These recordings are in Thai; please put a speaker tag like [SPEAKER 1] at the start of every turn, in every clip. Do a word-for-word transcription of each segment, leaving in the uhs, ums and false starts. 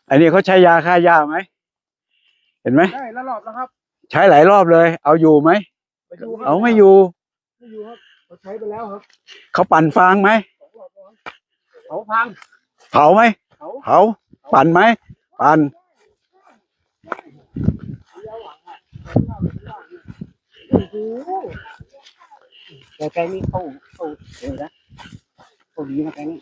[SPEAKER 1] อันนี้เขาใช้ยาฆ่าหญ้าไหมเห็นไหม
[SPEAKER 2] ใช่แล้วรอบแล้วครับ
[SPEAKER 1] ใช้หลายรอบเลย เอาอยู่ไหมเอาไม่อยู่
[SPEAKER 2] ไม่อยู่ครับเราใช้ไปแล้วครับ
[SPEAKER 1] เขาปั่นฟางไหม
[SPEAKER 2] เผาพัง
[SPEAKER 1] เผาไหมเผาปั่นไหมปั่น
[SPEAKER 2] แต่แกนี่เขาเขาเออนะเขาดีนะแกนี่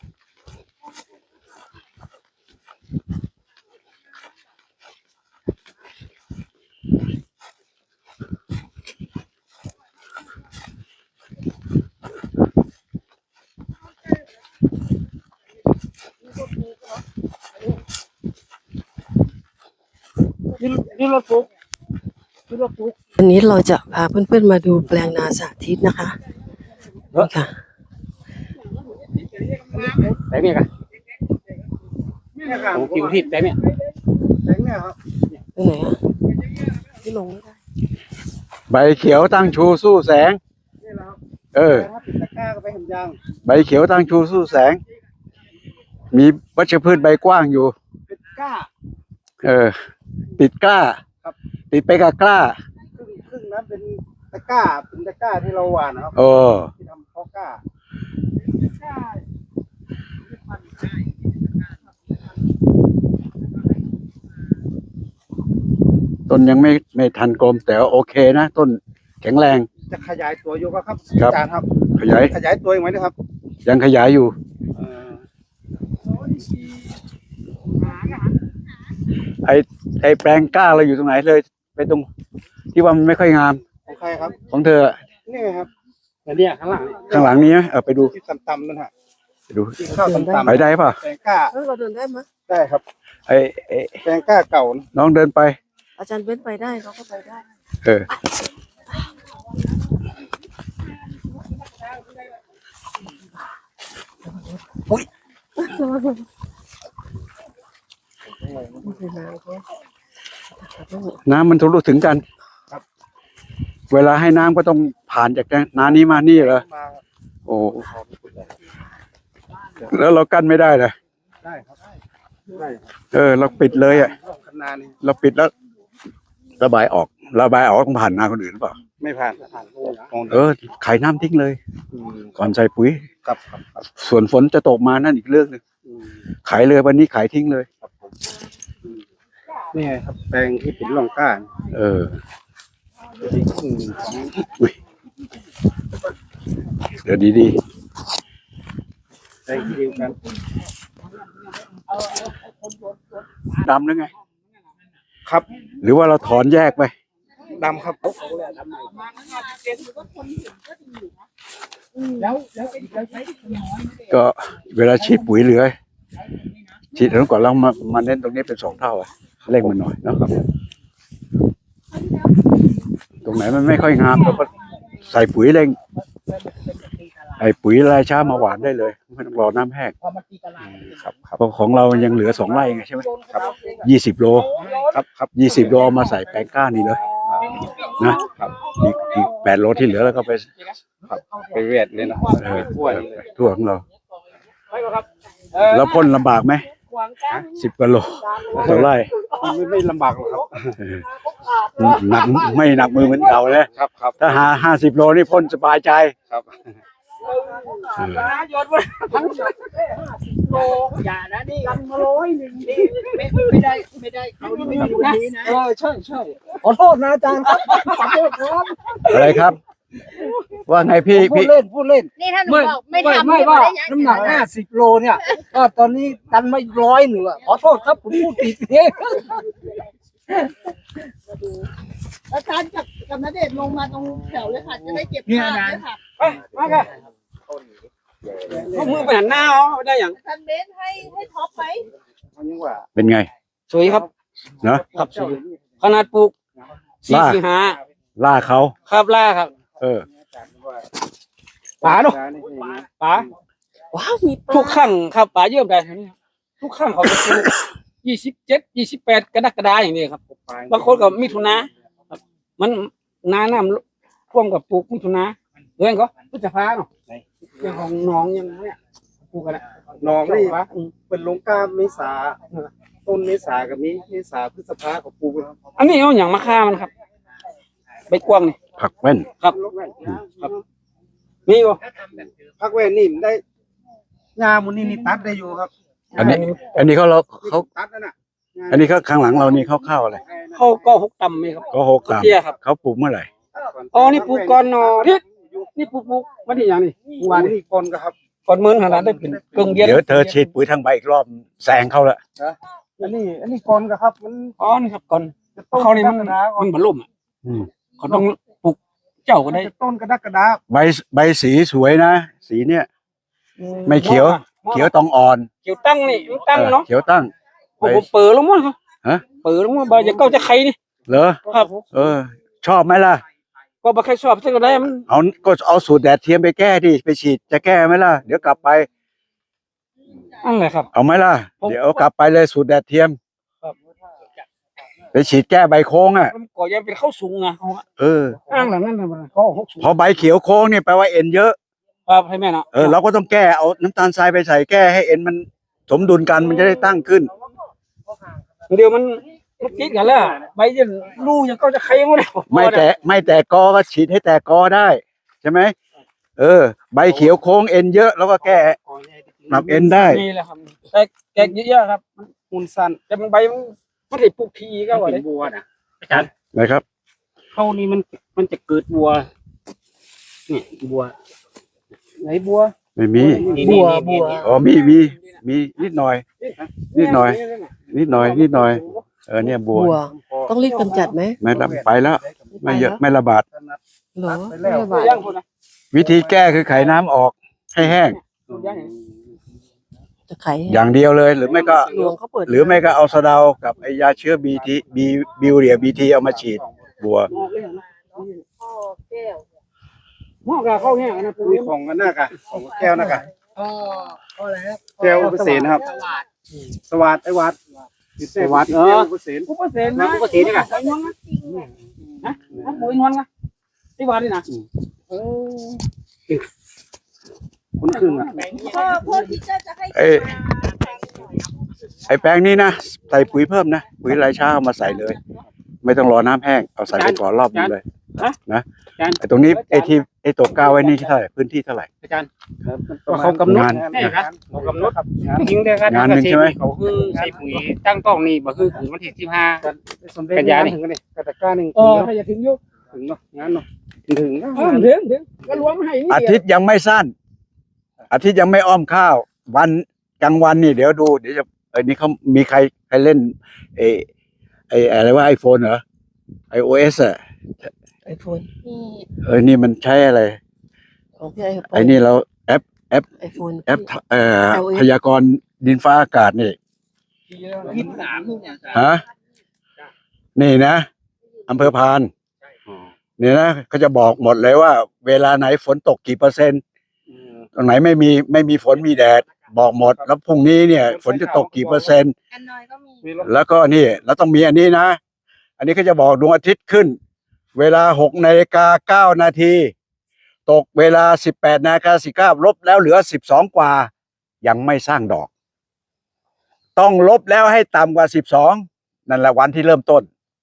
[SPEAKER 2] นี่นี่รถปุ๊กนี่รถปุ๊ก
[SPEAKER 3] วันนี้เราจะพาเพื่อนๆมาดูแปลงนาสาธิตนะคะนี่ค่ะ
[SPEAKER 2] แต่เนี่ยกันผมคิวที่แต่เนี่ยแต่เนี่ยครับ
[SPEAKER 3] ไปไหนอ่ะที่ลงไม่ได้
[SPEAKER 1] ใบเขียวตั้งชูสู้แสงเออ
[SPEAKER 2] ตะกร้าก็ไปเห็นยาง
[SPEAKER 1] ใบเขียวตั้งชูสู้แสงมีวัชพืชใบกว้างอยู่
[SPEAKER 2] เป็นกล้า
[SPEAKER 1] เออติดกล้าติดไปกับกล้า
[SPEAKER 2] ครึ่งครึ่งนั้นเป็นตะกร้าเป็นตะกร้าที่เราหว่านนะครับ
[SPEAKER 1] โอ้
[SPEAKER 2] ที่ทำเพาะกล้า
[SPEAKER 1] ต้นยังไม่ไม่ทันกลมแต่โอเคนะต้นแข็งแรง
[SPEAKER 2] จะขยายตัวอยู่ก็ครับ
[SPEAKER 1] อาจ
[SPEAKER 2] ารย์ครับ
[SPEAKER 1] ขยาย
[SPEAKER 2] ขยายตัวอีกไหมนะครับ
[SPEAKER 1] ยังขยายอยู่ไอไอแปลงกล้าเราอยู่ตรงไหนเลยไปตรงที่ว่ามันไม่ค่อยงาม
[SPEAKER 2] ของใครครับ
[SPEAKER 1] ของเธอ
[SPEAKER 2] นี่ไงครับแต่เนี่ยข้างหลัง
[SPEAKER 1] ข้างหลังนี้เออไปดู
[SPEAKER 2] ที่ต่ำๆนั่นฮะ
[SPEAKER 1] ไปดู
[SPEAKER 2] ที่ข้าวต่ำๆ
[SPEAKER 1] ไปได้ป่ะ
[SPEAKER 2] แปลงกล้า
[SPEAKER 3] เราเดินได้ไหม
[SPEAKER 2] ได้ครับ
[SPEAKER 1] ไอไอ
[SPEAKER 2] แปลงกล้าเก่า
[SPEAKER 1] น้องเดินไป
[SPEAKER 3] อาจารย์เบ้นไปได้เขาก็ไปได้
[SPEAKER 1] เออ
[SPEAKER 3] อุ้ย
[SPEAKER 1] น้ำมันทะลุถึงกันเวลาให้น้ำก็ต้องผ่านจากน้ำนี้มานี่เหรอโอ้แล้วเรากั้นไม่ได้เลย
[SPEAKER 2] ได้ครับได้
[SPEAKER 1] เออเราปิดเลยอ่ะเราปิดแล้วระบายออกระบายออกต้องผ่านนาคนอื่นหรือเปล่า
[SPEAKER 2] ไม่ผ่านผ่าน
[SPEAKER 1] เออขายน้ำทิ้งเลยก่อนใส่ปุ๋ย
[SPEAKER 2] ครับ
[SPEAKER 1] ส่วนฝนจะตกมานั่นอีกเรื่องนึงขายเลยวันนี้ขายทิ้งเลย
[SPEAKER 2] นี่ไงครับแปลงที่เป็นร่องก้าน
[SPEAKER 1] เออเดี๋ยวดี
[SPEAKER 2] ๆแปลงที่เดียวกัน
[SPEAKER 1] ดำหรือไง
[SPEAKER 2] ครับ
[SPEAKER 1] หรือว่าเราถอนแยกไป
[SPEAKER 2] ดำครับ
[SPEAKER 1] ก็เวลาฉีดปุ๋ยเหลือฉีดแล้วก่อนเรามามาเน้นตรงนี้เป็นสองเท่าอ่ะเร่งมันหน่อยนะครับตรงไหนมันไม่ค่อยงามเราก็ใส่ปุ๋ยเร่งไอ้ปุ๋ยรายช้ามาหวานได้เลยไม่ต้องรอน้ำแห้งครับครับของเรายังเหลือสองไร่ไงใช่ไหมครับยี่สิบโลครับครับยี่สิบโลมาใส่แปลงก้านี่เลยนะครับอีกอีกแปดโลที่เหลือแล้วก็ไป
[SPEAKER 2] ไปเวียดเลยนะ
[SPEAKER 1] ทั่วทั่วของเราแล้วพ่นลำบากไหมสิบกิโลต่อไร่
[SPEAKER 2] ไม่ไม่ลำบากหรอกครับ
[SPEAKER 1] หนักไม่หนักมือเหมือนเก่าเลย
[SPEAKER 2] ครับครับ
[SPEAKER 1] ถ้าหาห้าสิบโลนี่พ่นสบายใจ
[SPEAKER 2] ครับ
[SPEAKER 4] โยนทั้งโลอย่านะนี่กันมาร้อยหนึ่งนี่ไม่ไม่ได้ไม่ได้เขาไม่ได้นะ
[SPEAKER 2] เออใช่ใช่ขอโทษนะอาจารย์ครับขอโทษครับ
[SPEAKER 1] อะไรครับว่าไงพี่
[SPEAKER 2] พูดเล่นพูดเล่น
[SPEAKER 4] นี่ท่านบอกไม่ทำ
[SPEAKER 2] ไม่ว่าน้ำหนักห้าสิบโลเนี่ยก็ตอนนี้ดันไม่ร้อยหนึ่งขอโทษครับผมพูดผิดเอง
[SPEAKER 4] อาจารย์กับกับณเดชน์ลงมาตรงแถวเลยค่ะจะได้เก็บภาพเลยค่ะ
[SPEAKER 2] ไปมาค่ะเขามือไปหันหน้าอ๋อได้อย่าง
[SPEAKER 4] ท่านเบนให้ให้ท็อปไหม
[SPEAKER 1] เป็นไง
[SPEAKER 2] สวยครับ
[SPEAKER 1] นะครับ
[SPEAKER 2] สวยขนาดปลูกสี่สิบห้า
[SPEAKER 1] ล่าเขา
[SPEAKER 2] ครับล่าครับ
[SPEAKER 1] เออ
[SPEAKER 2] ป๋าเนาะป๋า
[SPEAKER 3] ว้าวมี
[SPEAKER 2] ทุกครั้งครับป๋าเยี่ยมได้ทุกครั้งเขาจะปลูกยี่สิบเจ็ดยี่สิบแปดกรกฎาอย่างนี้ครับบางคนก็มิถุนามันนาน้ำท่วมกับปลูกมิถุนาเรื่องก็พฤษภาเนาะเรื่องของน้องอย่างนี้ปปลูกกันนะ
[SPEAKER 5] หนองนี่
[SPEAKER 2] วะอืม
[SPEAKER 5] เป็นลงกล้าเมษาต้นเมษากับนี้เมษาพฤษภาของปลูก
[SPEAKER 2] อันนี้เอาอย่างมาฆ่ามันครับใบกวางนี่
[SPEAKER 1] ผักแว่น
[SPEAKER 2] ครับครับมีบ่
[SPEAKER 5] พักแว่นนี่มันได้ยามุนี่นี่ตัดได้อยู่ครับ
[SPEAKER 1] อันนี้ อันนี้เขาเราเขา
[SPEAKER 5] ตัดนั่นน่ะ
[SPEAKER 1] อันนี้เขาข้างหลังเรานี่เขาเข้าอะไร
[SPEAKER 2] เขาก็หกตำมีครับ
[SPEAKER 1] ก็หกตาม
[SPEAKER 2] เตี้ยครับ
[SPEAKER 1] เขาปลูกเมื่อไหร่
[SPEAKER 2] อ๋อนี่ปลูกก่อนเนอทิศนี่ปลูกปลูกวันที่อย่างนี้เมื่อวาน
[SPEAKER 5] วัน
[SPEAKER 2] นี้
[SPEAKER 5] นี้คนก็ครับ
[SPEAKER 2] ก่อนมื้อขนาดได้เป็นเกึ่งเดือน
[SPEAKER 1] เดี๋ยวเธอฉีดปุ๋ยทางใบอีกรอบแซงเขาละ
[SPEAKER 5] อันนี้ อันนี้คนก็ครับ มัน
[SPEAKER 2] อ๋อนี่ครับก่อนเขานี่มันมันบรรลุมอ่ะ
[SPEAKER 1] อืม
[SPEAKER 2] เขาต้องปลูกเจ้าก็ได้
[SPEAKER 5] ต้นกระดักกระดา
[SPEAKER 1] ใบใบสีสวยนะ สีเนี่ย ไม่เขียว เขียวตองอ่อน
[SPEAKER 2] เขียวตั้งนี่มันตั้งเนาะ
[SPEAKER 1] เขียวตั้ง
[SPEAKER 2] ผมเปิดแล้วมั้งครับ
[SPEAKER 1] ฮะ
[SPEAKER 2] เปิดแล้วมั้งใบจะเก้าจะใครนี่
[SPEAKER 1] เหรอ
[SPEAKER 2] ครับ
[SPEAKER 1] เออ ชอบไหมล่ะ
[SPEAKER 2] ก็บ่ใครชอบสักก็ได้มัน
[SPEAKER 1] เอาก็เอาสูตรแดดเทียมไปแก้ดิไปฉีดจะแก้ไหมล่ะ เดี๋ยวกลับไป
[SPEAKER 2] อันแหละครับ
[SPEAKER 1] เอาไหมล่ะ
[SPEAKER 2] ผม
[SPEAKER 1] เดี๋ยวเอากลับไปเลยสูตรแดดเทียม
[SPEAKER 2] ครับ
[SPEAKER 1] ไปฉีดแก้ใบโค้งอ่ะ
[SPEAKER 2] มันก็ยังเป็นข้าวสูงอ่ะเขาอะ
[SPEAKER 1] เออ
[SPEAKER 2] อ้างหลังนั้นน่ะมันเขาหกสูง
[SPEAKER 1] พอใบเขียวโค้งเนี่ยแปลว่าเอ็นเยอะ
[SPEAKER 2] ครับให้แม่เนาะ
[SPEAKER 1] เออเราก็ต้องแก้เอาน้ำตาลทรายไปใส่แก้ให้เอ็นมันสมดุลกันมันจะได้ตั้งขึ้น
[SPEAKER 2] เดี๋ยวมันมันติดกันแล้วใบจะรูยังเก้าจะใครยังไม่ได้
[SPEAKER 1] ไม่แตะไม่แตะกอก็ฉีดให้แตะกอได้ใช่ไหมเออ ใบเขียวโค้งเอ็นเยอะแล้วก็แก้ปรับเอ็นได้
[SPEAKER 2] นี่แหละครับแต่แกกเยอะๆครับ
[SPEAKER 5] หุ่นสั้น
[SPEAKER 2] แต่บางใบมันมันได้ปลูกทีก็ว่า
[SPEAKER 4] เป็
[SPEAKER 2] ได้
[SPEAKER 4] นบัวนะอาจารย์
[SPEAKER 1] นะครับ
[SPEAKER 4] เข้านี่มันมันจะเกิดบัวเนี่ยบัว
[SPEAKER 5] ไหนบัว
[SPEAKER 1] ไม่มี
[SPEAKER 3] บัวบัว
[SPEAKER 1] อ๋อมีมีมีนิดหน่อย นิดหน่อย นิดหน่อยนิดหน่อยเออเนี่ยบัว
[SPEAKER 3] บัว ต้องรีบกำจัดไหม
[SPEAKER 1] ไม่ระไปแล้วไม่เยอะไม่ระบาด
[SPEAKER 3] เหรอ
[SPEAKER 5] ไปแล้ว
[SPEAKER 3] ไม่ระบาด
[SPEAKER 2] ย่างคนนะ
[SPEAKER 1] วิธีแก้คือไขน้ำออกให้แห้ง
[SPEAKER 2] ย่าง
[SPEAKER 3] จะไข
[SPEAKER 1] อย่างเดียวเลย หรือไม่ก็
[SPEAKER 3] หลวงเขาเปิด
[SPEAKER 1] หรือไม่ก็เอาสะเดากับไอยาเชื้อบีทีบีบิวเรียบีทีเอามาฉีดบัว
[SPEAKER 2] หมอกเลยนะหมอกกับข้าวแห้งนะปู
[SPEAKER 5] นี่ของกันหน้ากะของแก้วหน้ากะ
[SPEAKER 4] อ๋อก็แล้ว
[SPEAKER 5] แก้วอุปเสนนะครับ สวัสดไอ้วัดสวัสดเอออุปเสน
[SPEAKER 2] กูก็เซ็นนะกูก็เซ็นนี่นะไอ้นวลนะนะนะปูไอ้นวลนะที่ว่านี่นะเออ
[SPEAKER 5] คนครึ่งอ่ะ
[SPEAKER 6] พ่อพ่อที่จะจะให้
[SPEAKER 1] ไอ้ไอแปลงนี้นะใส่ปุ๋ยเพิ่มนะปุ๋ยรายเช้าเอามาใส่เลย ไม่ต้องรอน้ำแห้งเอาใส่ไปก่อนรอบนึงเลยนะไอตรงนี้ไอที่ไอตัวก้าวไว้นี่เท่าไหร่พื้นที่เท่าไหร่
[SPEAKER 4] อาจารย์
[SPEAKER 5] ก็เขากำหนด
[SPEAKER 1] งาน
[SPEAKER 4] นี่ครับ
[SPEAKER 5] เขากำหนดครับงาน
[SPEAKER 4] จริงๆเลยครับ
[SPEAKER 1] งานหนึ่งใช่ไหม
[SPEAKER 4] เขาคือใส่ปุ๋ยตั้งต้องนี่บ่คือปุ๋ยวันที่สิบห้า
[SPEAKER 5] สมเด็จ
[SPEAKER 4] กันยานี่
[SPEAKER 5] ถึงกันนี่กระตะกร้าหนึ่ง
[SPEAKER 2] เออถ้าจะถึงยุ
[SPEAKER 5] ถึงเนาะงานเนาะถึงนะ
[SPEAKER 2] เออถึงถึงก็รวมให้นี่
[SPEAKER 1] อาทิตย์ยังไม่สั้น อาทิตย์ยังไม่อ้อมข้าว วันกลางวันนี่เดี๋ยวดูเดี๋ยวจะไอ้นี่เขามีใครใครเล่นไอไออะไรว่าไอโฟนเหรอไอโอเอสอะ
[SPEAKER 3] ไอโฟน
[SPEAKER 6] นี่
[SPEAKER 1] เออนี่มันใช้อะไร
[SPEAKER 3] ของพี่ไอโฟน
[SPEAKER 1] ไอนี่เราแอป
[SPEAKER 3] ไอโฟน
[SPEAKER 1] แอปเอ่อ
[SPEAKER 3] ไอโอเอส
[SPEAKER 1] พยากรณ์ดินฟ้าอากาศนี่
[SPEAKER 4] ยี่สิบสามเนี่ยอาจารย์
[SPEAKER 1] ฮะนี่นะอำเภอพานเนี่ยนะเขาจะบอกหมดเลยว่า เวลาไหนฝนตกกี่เปอร์เซ็นต์ตรงไหนไม่มีไม่มีฝนมีแดด บอกหมด แล้วพรุ่งนี้เนี่ย ฝนจะตกกี่เปอร์เซ็นต์
[SPEAKER 6] อันน้อยก็มี
[SPEAKER 1] แล้วก็นี่เราต้องมีอันนี้นะ อันนี้ก็จะบอกดวงอาทิตย์ขึ้น เวลาหกนาฬิกาเก้านาทีตกเวลาสิบแปดนาฬิกาสิบเก้าลบแล้วเหลือสิบสองกว่า ยังไม่สร้างดอก ต้องลบแล้วให้ต่ำกว่าสิบสองนั่นแหละวันที่เริ่มต้น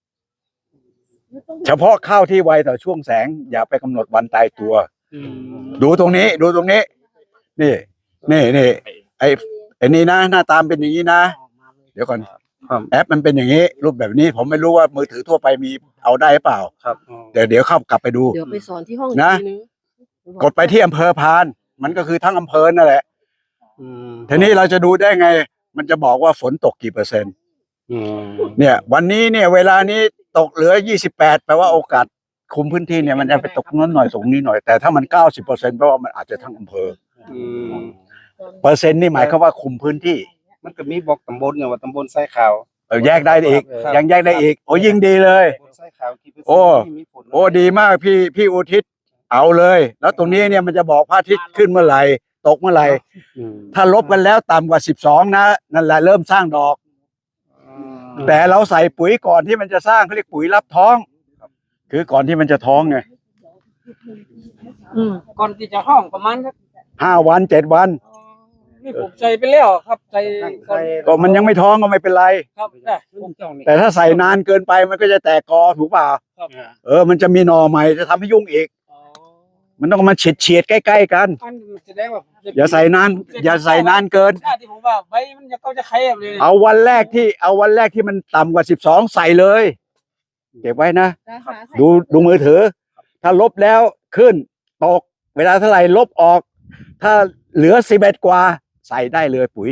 [SPEAKER 1] เฉพาะข้าวที่ไวต่อช่วงแสง อย่าไปกำหนดวันตายตัว ดูตรงนี้ ดูตรงนี้ นี่นี่นี่ไอ้ไอ้นี่นะ หน้าตามเป็นอย่างนี้นะ เดี๋ยวก่อนแอปมันเป็นอย่างนี้ รูปแบบนี้ ผมไม่รู้ว่ามือถือทั่วไปมีเอาได้หรือเปล่า
[SPEAKER 5] ครับ
[SPEAKER 1] เดี๋ยวเดี๋ยวเข้ากลับไปดู
[SPEAKER 3] เดี๋ยวไปสอนที่ห้อง
[SPEAKER 1] นะ
[SPEAKER 3] อีกทีนึง
[SPEAKER 1] กดไปที่อำเภอพาน มันก็คือทั้งอำเภอนั่นแหละ ทีนี้เราจะดูได้ไง มันจะบอกว่าฝนตกกี่เปอร์เซ็นต์เนี่ย วันนี้เนี่ย เวลานี้ตกเหลือยี่สิบแปดแปลว่าโอกาสคุมพื้นที่เนี่ยมันจะไปตกนั้นหน่อยตรงนี้หน่อยแต่ถ้ามันเก้าสิบเปอร์เซ็นต์แปลว่ามันอาจจะทั้งอำเภอเปอร์เซ็นต์นี่หมายความว่าคุมพื้นที่
[SPEAKER 5] มันก็มีบอกตำบลเนี่ยว่าตำบลไส้ขาว
[SPEAKER 1] เออแยกได้อีก ยังแยกได้อีก โอ้ยิ่งดีเลย
[SPEAKER 5] ตำบลไส้ขาวกี่เปอร์เซ็นต์
[SPEAKER 1] โอ้
[SPEAKER 5] ที่มีผล
[SPEAKER 1] โอ้ดีมากพี่พี่อุทิศเอาเลย แล้วตรงนี้เนี่ยมันจะบอกพระอาทิตย์ขึ้นเมื่อไหร่ตกเมื่อไหร่
[SPEAKER 5] อืม
[SPEAKER 1] ถ้าลบกันแล้วต่ำกว่าสิบสองนะนั่นแหละเริ่มสร้างดอก แต่เราใส่ปุ๋ยก่อนที่มันจะสร้างเขาเรียกปุ๋ยรับท้อง คือก่อนที่มันจะท้องไง
[SPEAKER 2] อืมก่อนที่จะห้องประมาณสัก
[SPEAKER 1] ห้าวันเจ็ดวัน
[SPEAKER 2] นี่ผมใส่ไปแล้วครับใส่ก่อน
[SPEAKER 1] ก็มันยังไม่ท้องก็ไม่เป็นไร
[SPEAKER 2] ครับได้ผม
[SPEAKER 1] แต่ถ้าใส่นานเกินไปมันก็จะแตกกอถูกเปล่า
[SPEAKER 2] ครับ
[SPEAKER 1] เออมันจะมีหน่อใหม่จะทำให้ยุ่งอีก
[SPEAKER 2] อ๋อ
[SPEAKER 1] มันต้องมาเฉียดเฉียดๆใกล้ๆกัน
[SPEAKER 2] อันแสดงว่า
[SPEAKER 1] อย่าใส่นานอย่าใส่นานเกิน
[SPEAKER 2] ชาติที่ผมว่าใบมันจะก็จะแคบเลย
[SPEAKER 1] เอาวันแรกที่เอาวันแรกที่มันต่ำกว่าสิบสองใส่เลย เก็บไว้นะ
[SPEAKER 6] นะคะใส่
[SPEAKER 1] ดูดูมือถือ ถ้าลบแล้วขึ้นตก เวลาเท่าไหร่ลบออก ถ้าเหลือสิบเอ็ดกว่าใส่ได้เลยปุ๋ย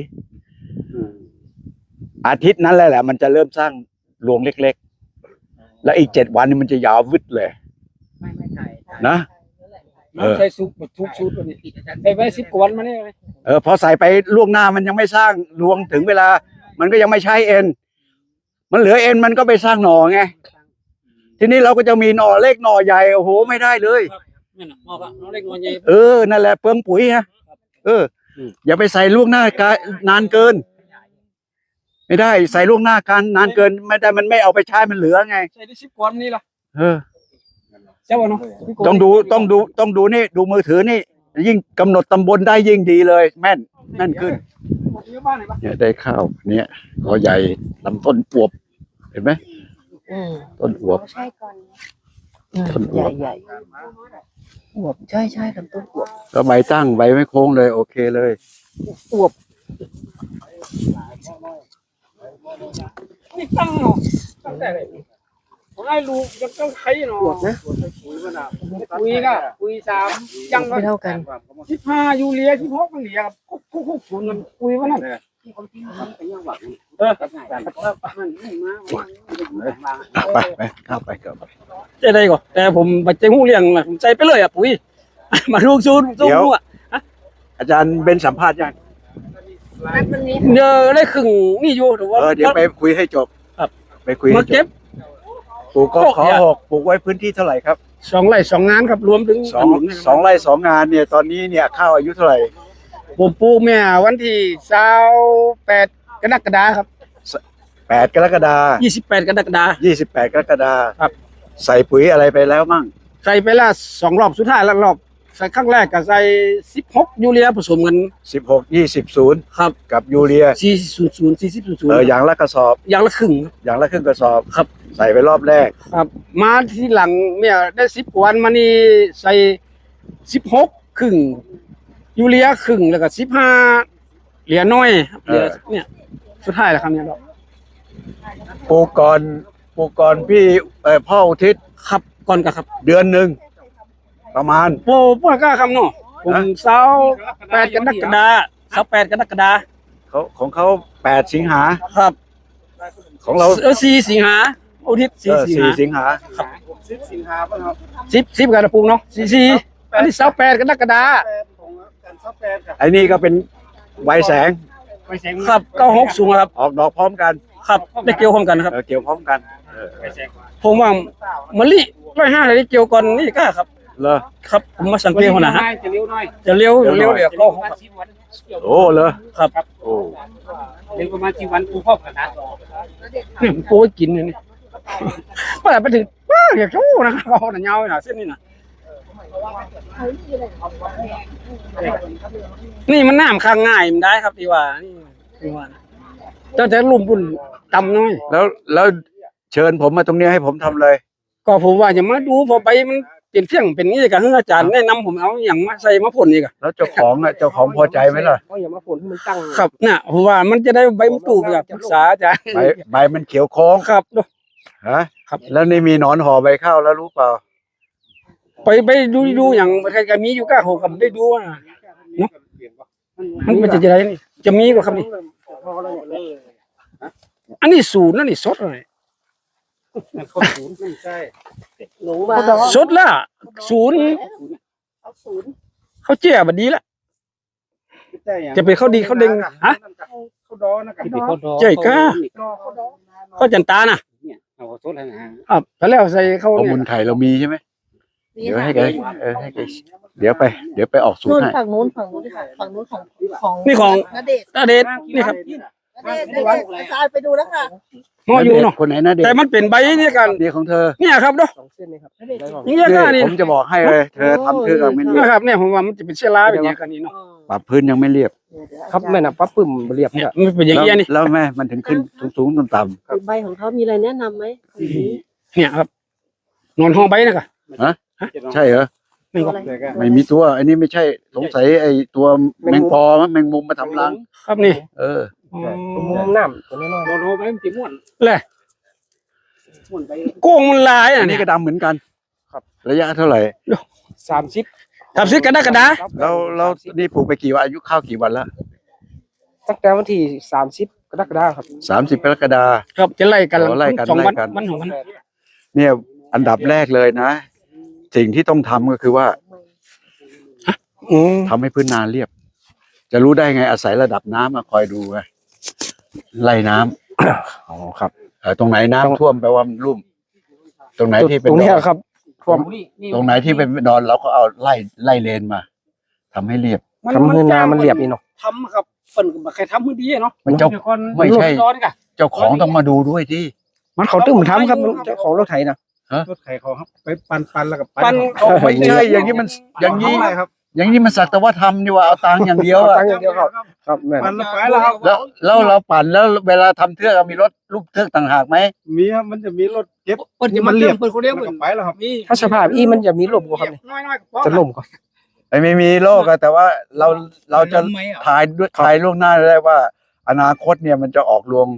[SPEAKER 1] อาทิตย์นั้นแหละแหละ มันจะเริ่มสร้างรวงเล็กๆ แล้วอีกเจ็ดวันนี่มันจะยาววึดเลย
[SPEAKER 4] ไม่ไม่ใช่
[SPEAKER 1] นะ
[SPEAKER 2] น้ำใส่ซุปทุกชุดวันนี้ใส่ไว้สิบกว่าวันมาเนี่ยเลย
[SPEAKER 1] เออพอใส่ไปล่วงหน้ามันยังไม่สร้างรวงถึงเวลา มันก็ยังไม่ใช้เอ็น มันเหลือเอ็นมันก็ไปสร้างหน่อไง ทีนี้เราก็จะมีหน่อเล็กหน่อใหญ่โอ้โหไม่ได้เลย
[SPEAKER 2] นี่นะมอกอะน้องเล็กน้องใหญ่
[SPEAKER 1] เออนั่นแหละเปลืองปุ๋ยฮะเออ อย่าไปใส่ล่วงหน้ากานานเกิน ไม่ได้ใส่ล่วงหน้าการนานเกิน ไม่ได้มันไม่เอาไปใช้มันเหลือไง
[SPEAKER 2] ใส่ได้สิบกว่าวันนี่ล่ะ
[SPEAKER 1] เออ
[SPEAKER 2] เจ้าเนาะ
[SPEAKER 1] ต้องดูต้องดูต้องดูนี่ดูมือถือนี่ ยิ่งกำหนดตำบลได้ยิ่งดีเลย แม่นแม่นขึ้น
[SPEAKER 2] บ้านไหนบ้าง
[SPEAKER 1] เนี่ยได้ข้าวเนี่ยกอใหญ่ลำต้นอวบเห็นไหม
[SPEAKER 3] อืม
[SPEAKER 1] ต้นอวบ
[SPEAKER 6] ใช่ก่อน
[SPEAKER 3] อืม
[SPEAKER 1] ต้นอ
[SPEAKER 3] ให
[SPEAKER 1] ว
[SPEAKER 3] ญ่
[SPEAKER 1] บ
[SPEAKER 3] ใหญ่อวบใช่ใช่ลำต้นอวบ
[SPEAKER 1] ก็ใบตั้งใบไม่โค้งเลย โอเคเลย
[SPEAKER 3] อวบ
[SPEAKER 2] นี่ตั้งเนาะตั้งแต่เลยผมให้ลูกยังต้องใช้เนาะ
[SPEAKER 3] อวบนะ
[SPEAKER 2] คุยก็คุยสามยัง
[SPEAKER 3] ไม่เท่ากัน
[SPEAKER 2] สิบห้ายูเรียสิบหกมันเหลียคุกคุกคุกศูนย์มันคุยว่านั่นเออ
[SPEAKER 1] ไปไปเข้าไปเข้าไป
[SPEAKER 2] ใจได้ก่อนแต่ผมบัดใจหูเลี้ยงนะผมใจไปเลยอ่ะปุ๋ย มาลูกซูนซูนหัว
[SPEAKER 1] อาจารย์เป็นสัมภาษณ์ยัง
[SPEAKER 6] นัดวันนี้
[SPEAKER 2] เดี๋ยวได้ครึ่งนี่อยู่ถือว่า
[SPEAKER 1] เออเดี๋ยวไปคุยให้จบ
[SPEAKER 2] ครับ
[SPEAKER 1] ไปคุย
[SPEAKER 2] มา
[SPEAKER 1] ให้จ
[SPEAKER 2] เก็บบ
[SPEAKER 1] ปลูกก็
[SPEAKER 2] โอ้
[SPEAKER 1] ขอ
[SPEAKER 2] เนี่ย
[SPEAKER 1] หกปลูกไว้พื้นที่เท่าไหร่ครับ
[SPEAKER 2] สองไร่สองงานครับรวมถึง
[SPEAKER 1] สองสองไร่สองงานเนี่ยตอนนี้เนี่ยข้าวอายุเท่าไหร่
[SPEAKER 2] ผมปลูกแม่วันที่เช้าแปดกรกฎาครับ
[SPEAKER 1] แปดกรกฎา
[SPEAKER 2] ยี่สิบแปดกรกฎา
[SPEAKER 1] ยี่สิบแปดกรกฎา
[SPEAKER 2] ครับ
[SPEAKER 1] ใส่ปุ๋ยอะไรไปแล้วมั่ง
[SPEAKER 2] ใส่ไปละสองรอบสุดท้ายแล้วรอบใส่ครั้งแรกก็ใส่สิบหกยูเรียผสมกัน
[SPEAKER 1] สิบหกยี่สิบศูนย์
[SPEAKER 2] ครับ
[SPEAKER 1] กับยูเรีย
[SPEAKER 2] สี่ศูนย์ศูนย์สี่สิบศูนย์ศูน
[SPEAKER 1] เอ
[SPEAKER 2] ย์
[SPEAKER 1] ออย่างละกระสอบ
[SPEAKER 2] อย่างละครึ่ง
[SPEAKER 1] อย่างละครึ่งกระสอบ
[SPEAKER 2] ครับ
[SPEAKER 1] ใส่ไปรอบแรก
[SPEAKER 2] ครับ มาที่หลังเนี่ยได้สิบกว่าวันมานี่ใส่สิบหกครึ่งยูเรียครึ่งแล้วก็สิบห้าเหลือน้อยครับเหลือเนี่ยสุดท้ายแล้วครับเนี่ย
[SPEAKER 1] ปลูกก่อนปลูกก่อนพี่เอ่อพ่ออุทิศ
[SPEAKER 2] ครับก่อนกันครับ
[SPEAKER 1] เดือนหนึ่งประมาณ
[SPEAKER 2] โอ้พวกกล้าคำเนาะผม
[SPEAKER 1] ฮะ
[SPEAKER 2] เสาแปดกรกฎาเสาแปดกรกฎา
[SPEAKER 1] เขาของเขาแปดสิงหา
[SPEAKER 2] ครับ
[SPEAKER 1] ของเรา
[SPEAKER 2] เออสี่สิงหาอุทิศ
[SPEAKER 1] เอ
[SPEAKER 2] สี่
[SPEAKER 1] อ
[SPEAKER 2] สิง
[SPEAKER 1] สี่
[SPEAKER 2] หา
[SPEAKER 1] สิงหา
[SPEAKER 2] สิบสิบกระปุกเนาะสี่สี่อันนี้เสาแปดกรกฎา
[SPEAKER 1] ไอ้นี่ก็เป็นใบแสง
[SPEAKER 2] ครับเก้าหกสูงครับ
[SPEAKER 1] ออกดอกพร้อมกัน
[SPEAKER 2] ครับได้เกี่ยวพร้อมกันนะครับ
[SPEAKER 1] เออเกี่ยวพร้อมกันเออ
[SPEAKER 2] ผมว่ามะลิร้อยห้าได้เกี่ยวก่อนนี่ก็ครับ
[SPEAKER 1] เหรอ
[SPEAKER 2] ครับผมมาสังเกตหัวหน้าฮะ
[SPEAKER 4] จะเลี้ยวหน่อย
[SPEAKER 2] จะเลี้ยว
[SPEAKER 1] เลี้
[SPEAKER 2] เลี้
[SPEAKER 1] ย
[SPEAKER 2] ยว ว
[SPEAKER 1] หน่อย
[SPEAKER 2] เดี๋ยวเก้าหกครับ
[SPEAKER 1] โอ้เหรอ
[SPEAKER 2] ครับ
[SPEAKER 1] โอ้
[SPEAKER 4] เลี้ยวประมาณกี่วันกูพ่อขนาด
[SPEAKER 2] นี่ผมโปรยกินอยู่นี่เมื่อไหร่ไปถึงว้าอยากชู้นะครับเขาหน้าเงาหน้าเส้นนี่นะนี่มันน้ำข้างง่ายมันได้ครับที่ว่านี่ที่ว่านะแต่แต่ลุ่มบุญต่ำน้อย
[SPEAKER 1] แล้วแล้วเชิญผมมาตรงนี้ให้ผมทำเลย
[SPEAKER 2] ก็ผมว่าจะมาดูพอไปมันเปลี่ยนเที่ยงเป็นนี่กับอาจารย์แนะนำผมเอาอย่างมาใส่มาพ่นอีกอะ
[SPEAKER 1] แล้วเจ้าของอ่ะเจ้าของพอใจไหมล่ะ
[SPEAKER 4] เขาอย่ามาฝนให้มันตั้ง
[SPEAKER 2] ครับน่ะผมว่ามันจะได้ใบมะตูมกับปรึกษาอาจารย์
[SPEAKER 1] ใบใบมันเขียวโค้ง
[SPEAKER 2] ครับดู
[SPEAKER 1] ฮะ
[SPEAKER 2] ครับ
[SPEAKER 1] แล้วนี่มีหนอนห่อใบข้าวแล้วรู้เปล่า
[SPEAKER 2] ไปไปดูดูอย่างใครๆมีอยู่ก้าโหกับได้ดูนะเนาะมันมันจะจะได้นี่จะมีกว่าครับนี่อันนี้ศูนย์นั่นนี่สดเลย
[SPEAKER 4] คนศูนย์ไม่ใช่
[SPEAKER 3] หนูมา
[SPEAKER 2] สดละศูนย์
[SPEAKER 6] เอาศูนย์
[SPEAKER 2] เขาเจี๊ยบดีละ จะไปเข้าดีเข้าเด้งฮะ
[SPEAKER 4] เขาดอนะกับเขาดอ
[SPEAKER 2] เจ๊ก้าเขาจันตานะ
[SPEAKER 4] เนี่ยเอาโทษนะฮะ
[SPEAKER 2] ครับแล้วใส่เขา
[SPEAKER 1] ข้อ
[SPEAKER 2] เนี่
[SPEAKER 1] มูล
[SPEAKER 2] ย
[SPEAKER 1] ไข่เรามีใช่ไหมเดี๋ยวให้แกเออให้แกเดี๋ยวไป เดี๋ยวไปออกสูต
[SPEAKER 6] นู่
[SPEAKER 1] ร
[SPEAKER 6] น
[SPEAKER 1] ให้
[SPEAKER 6] ฝั่งนู้นฝั่งนู้นค่ะฝั่งนู้นของของ
[SPEAKER 2] นี่ของ
[SPEAKER 6] ณเดชน์
[SPEAKER 2] ตาเดชนี่ครับ
[SPEAKER 6] เอเด็กๆอาจารย์ไปดูแล้วค่ะ
[SPEAKER 2] ห่ออยู่เนาะ
[SPEAKER 1] คนไหนนะเด็ก
[SPEAKER 2] แต่มันเป็นใบเนี่ยกัน
[SPEAKER 1] เด็กของเธอ
[SPEAKER 2] เนี่ยครับเนาะ
[SPEAKER 5] สองเส้นนี่ครับ
[SPEAKER 2] นี่ก็
[SPEAKER 1] นี่
[SPEAKER 2] นี่
[SPEAKER 1] ผมจะบอกให้เลยเธอทำเธอกับไม่เรีย
[SPEAKER 2] นะ
[SPEAKER 1] บ
[SPEAKER 2] ครับเนี่ยผมว่ามันจะเป็นเชื้อราแบบนี้กันนี่เนาะ
[SPEAKER 1] ปรับพื้นยังไม่เรียบ
[SPEAKER 5] ครับแม่น่ะปั๊บปึ้มเรียบ
[SPEAKER 2] เนี่
[SPEAKER 5] เนี่ย ย
[SPEAKER 2] มันเป็นอย่าง
[SPEAKER 1] แล้ว
[SPEAKER 2] นี้ยนี่
[SPEAKER 1] แล้วแม่มันถึงขึ้นสูงๆต่ำ
[SPEAKER 3] ใบของเขามีอะไรแนะนำไหม
[SPEAKER 2] เนี่ยครับนอนห้องใบนะกะ
[SPEAKER 1] ๆใช่เหรอ
[SPEAKER 2] นี่ก็
[SPEAKER 1] ไม่มีตัว อันนี้ไม่ใช่สงสัยไอ้ตัวแมงปอมั้งแมงมุมมาทำรัง
[SPEAKER 2] ครับนี่
[SPEAKER 1] เออ
[SPEAKER 5] มุมน้ำตัวน้อย
[SPEAKER 2] นอนห้องใบมันจะม่วนเลยโกงมันลาย
[SPEAKER 1] อั
[SPEAKER 2] อ่ะ
[SPEAKER 1] น
[SPEAKER 2] เนี่
[SPEAKER 1] นี้
[SPEAKER 2] ย
[SPEAKER 1] ก็ดำเหมือนกันครับระยะเท่าไหร่
[SPEAKER 5] ๆสามสิบ
[SPEAKER 2] ทำซื้อกระดากระดา
[SPEAKER 1] เราเรานี่ปลูกไปกี่วันอายุข้าวกี่วันละ
[SPEAKER 5] ตั้งแต่วันที่สามสิบกรกฎาคมครับ
[SPEAKER 1] สามสิบกรกฎา
[SPEAKER 2] ครับจะไล่กัน
[SPEAKER 1] อ๋อไล่กัน
[SPEAKER 2] สองวัน
[SPEAKER 1] ไล่กัน
[SPEAKER 2] วันของมัน
[SPEAKER 1] เนี่ยอันดับแรกเลยนะ สิ่งที่ต้องทำก็คือว่า
[SPEAKER 2] อืม
[SPEAKER 1] ทำให้พื้นนาเรียบ จะรู้ได้ไงอาศัยระดับน้ำมาคอยดูไงไล่น้ำ
[SPEAKER 5] อ๋อครับ
[SPEAKER 1] เออตรงไหนน้ำท่วมแปลว่ามันลุ่ม ตรงไหนที่เป็น
[SPEAKER 5] ตรงเนี้ย
[SPEAKER 1] ดอน
[SPEAKER 5] ครับท่วม
[SPEAKER 1] ตรงไหนที่เป็นดอนเราก็เอาไล่ไล่เลนมาทำให้เรียบ
[SPEAKER 5] ทำให้นามันเรียบอีกเนาะ
[SPEAKER 2] ทำครับเปิ่นก็บ่ใครทำมือดีเนาะ
[SPEAKER 1] มันเจ้า
[SPEAKER 2] ดี๋ยวคน
[SPEAKER 1] ไม่ใช่
[SPEAKER 2] ร้อนกะ
[SPEAKER 1] เจ้าของต้องมาดูด้วยที่
[SPEAKER 5] มันเขาตึ้มทำครับมันเจ้าของรถไถนะ
[SPEAKER 7] รถไถเขาครับไปปันปันแล้วก็
[SPEAKER 2] ปั้น
[SPEAKER 7] เขา
[SPEAKER 2] ออกไป
[SPEAKER 1] ไม่ใช่อย่างนี้มันอย่างนี้
[SPEAKER 7] นี้ครับ
[SPEAKER 1] อย่างนี้มันสักแต่ว่าทำดีกว่าเอาตังค์อย่างเดียวอะ
[SPEAKER 5] ตั้งอย่างเดียวครับครับแม่น
[SPEAKER 7] ปันแล้วไปแล้วครับ
[SPEAKER 1] แล้วแล้วเราปั่นแล้วเวลาทำเทือกมีรถลูกเทือกต่างหากไหม
[SPEAKER 7] มีครับมันจะมีรถเก็บ
[SPEAKER 2] เปิ่นจะมาเลี้ยงเปิ่นคนเลี้ยง
[SPEAKER 7] แล้ว
[SPEAKER 2] เปิ่
[SPEAKER 7] ก็
[SPEAKER 2] น
[SPEAKER 7] ไปแล้วครับ
[SPEAKER 2] นี่
[SPEAKER 5] ถ้าสภาพอีมันจะมีลมกว่าครับเนี่ย
[SPEAKER 2] น้อยๆก็พอ
[SPEAKER 5] จะล่มก่อน
[SPEAKER 1] ไอ้ไม่มีโรคอะแต่ว่าเราเราจะทายด้วยทายล่วงหน้าได้ว่า อนาคตเนี่ยมันจะออกรวง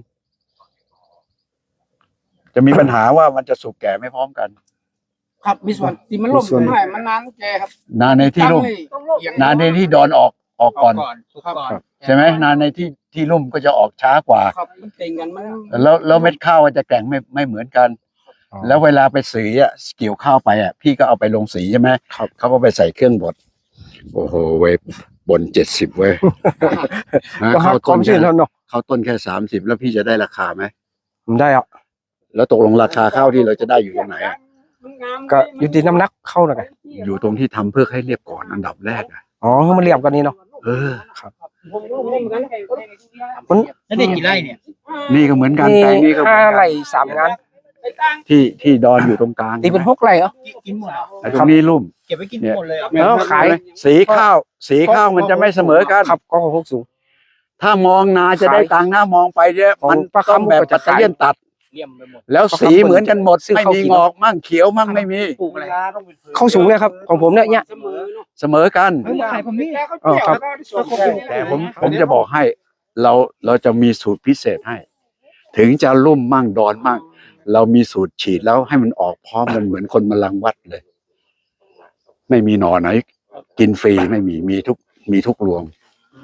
[SPEAKER 1] จะมีปัญหาว่ามันจะสุกแก่ไม่พร้อมกัน
[SPEAKER 2] ครับมีส่วนที่มันล่มมันหน่อยมันนานแกครับ
[SPEAKER 1] นาในที่ลุ่ม
[SPEAKER 2] ต้องล่ม
[SPEAKER 1] นาในที่ดอนออกออกก่อน
[SPEAKER 2] ครับ
[SPEAKER 1] ใช่ไหมนาในที่ที่ลุ่มก็จะออกช้ากว่า
[SPEAKER 2] ครับมันเต็งกันมัน
[SPEAKER 1] แล้วแล้วเม็ดข้าวมันจะแกร่งไม่ไม่เหมือนกัน แล้วเวลาไปสีอ่ะเกี่ยวข้าวไปอ่ะพี่ก็เอาไปลงสีใช่ไหม
[SPEAKER 5] ครับ
[SPEAKER 1] เขาก็ไปใส่เครื่องบดโอ้โหเว้ยบนเจ็ดสิบเว้ยนะ
[SPEAKER 5] ก็
[SPEAKER 1] เข้า
[SPEAKER 5] ค
[SPEAKER 1] ต้
[SPEAKER 5] วาน ม
[SPEAKER 1] แค่
[SPEAKER 5] ชื้นแล้วเนาะ
[SPEAKER 1] เข้าต้นแค่สามสิบแล้วพี่จะได้ราคาไหม
[SPEAKER 5] ผมได้อ่ะ
[SPEAKER 1] แล้วตกลงราคาข้าวที่เราจะได้อยู่ตรงไหนอ่ะ
[SPEAKER 5] ก็อยู่ที่น้ำหนักเข้าน่ะไง
[SPEAKER 1] อยู่ตรงที่ทำเพื่อให้เรียบก่อนอันดับแรกอ่ะ
[SPEAKER 5] อ๋อให้มันเรียบกันนี่เนาะ
[SPEAKER 1] เออ
[SPEAKER 2] ผมรู้เหมือนกัน
[SPEAKER 5] มัน
[SPEAKER 4] แล้วได้กี่ไร่เนี่ย
[SPEAKER 1] นี่ก็เหมือนกัน
[SPEAKER 5] มี
[SPEAKER 1] แปลงนี้ก็เหมื
[SPEAKER 5] ห้า
[SPEAKER 1] อนกัน
[SPEAKER 5] ไร่สามงาน
[SPEAKER 1] ที่ที่ดอนอยู่ตรงกลาง
[SPEAKER 5] ตีเป็นหกไร่เหรอ
[SPEAKER 4] กินหมดเหรอ
[SPEAKER 1] ไอ้ตรงนี้ลุ่ม
[SPEAKER 4] เก็บไว้กินหมดเลยเหรอ
[SPEAKER 5] เออขาย
[SPEAKER 1] สีข้าว สีข้าวมันจะไม่เสมอกัน
[SPEAKER 5] ครับก็ของหกสูง
[SPEAKER 1] ถ้ามองนาจะได้ตังค์นะมองไปเนี่ย
[SPEAKER 5] ของ
[SPEAKER 1] มัน
[SPEAKER 5] ปลา
[SPEAKER 1] ต้อง
[SPEAKER 5] คำ
[SPEAKER 1] แบบ
[SPEAKER 5] ก็
[SPEAKER 1] ปั
[SPEAKER 5] จะ
[SPEAKER 1] ตเตอร์เลียนตัด
[SPEAKER 4] เลี่ยมไปหมด
[SPEAKER 1] แล้วสีเหมือนกันหมด
[SPEAKER 5] ซื้อ
[SPEAKER 1] ไม่
[SPEAKER 5] ข้าว
[SPEAKER 1] มี
[SPEAKER 5] กิน
[SPEAKER 1] งอกมั่งเขียวมั่งไม่มี
[SPEAKER 4] ปลูกอะไร
[SPEAKER 5] เข้าสูงเลยครับ ของผมเนี่ยเนี่ย
[SPEAKER 2] เสมอเนาะ
[SPEAKER 1] เสมอกัน
[SPEAKER 4] เฮ้ยมาขายผมนี่
[SPEAKER 5] อ๋อครับ
[SPEAKER 1] แต่ผมผมจะบอกให้ เราเราจะมีสูตรพิเศษให้ ถึงจะลุ่มมั่งดอนมั่ง เรามีสูตรฉีดแล้วให้มันออกพร้อมกันเหมือนคนมาลังวัดเลย ไม่มีหนอไหน กินฟรีไม่มีมีทุกมีทุกรวง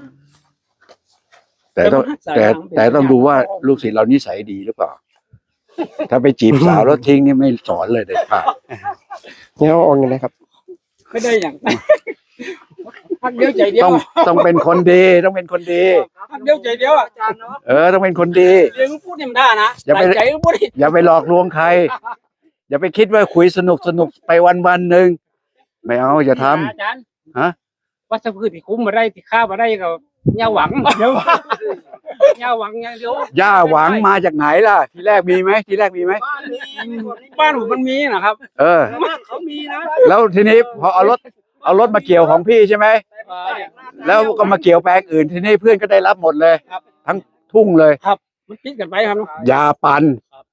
[SPEAKER 1] แต่ต้องแต่แต่ต้องดูว่าลูกศิษย์เรานิสัยดีหรือเปล่า ถ้าไปจีบสาวแล้วทิ้งนี่ไม่สอนเลยเด็ดขาด
[SPEAKER 5] เนี่ยเอาอย่างไรครับ
[SPEAKER 2] ไม่ได้อย่างพักเดียวใจเดียว
[SPEAKER 1] ต้องต้องเป็นคนดีต้องเป็นคนดี
[SPEAKER 2] พักเดียวใจเดียวอาจารย์เนาะ
[SPEAKER 1] เออต้องเป็นคนดี
[SPEAKER 2] เรียนพูดเนี่ยมันได้นะ
[SPEAKER 1] อย่าไป
[SPEAKER 2] ใจพูดดิ
[SPEAKER 1] อย่าไปหลอกลวงใคร อย่าไปคิดว่าคุยสนุกสนุกไปวันวันๆหนึ่งไม่เอาอย่าทำ
[SPEAKER 2] อาจารย์
[SPEAKER 1] ฮะ
[SPEAKER 2] วัชพืชที่คุ้มมาได้ที่ข้ามาได้ก็ยาหวังเดี๋ยวยาหวังอย่างเดียว
[SPEAKER 1] ย่าหวังมาจากไหนล่ะ ทีแรกมีไหมทีแรกมีไหม
[SPEAKER 2] บ้านมีบ้านผมมันมีนะครับ
[SPEAKER 1] เออ
[SPEAKER 2] เขามีนะ
[SPEAKER 1] แล้วทีนี้พอเอารถเอารถมาเกี่ยวของพี่ใช่ไหมแล้วก็มาเกี่ยวแปลงอื่นทีนี้เพื่อนก็ได้รับหมดเลย ทั้งทุ่งเลย
[SPEAKER 2] มันติดกันไปครับเนาะ
[SPEAKER 1] ยาปัน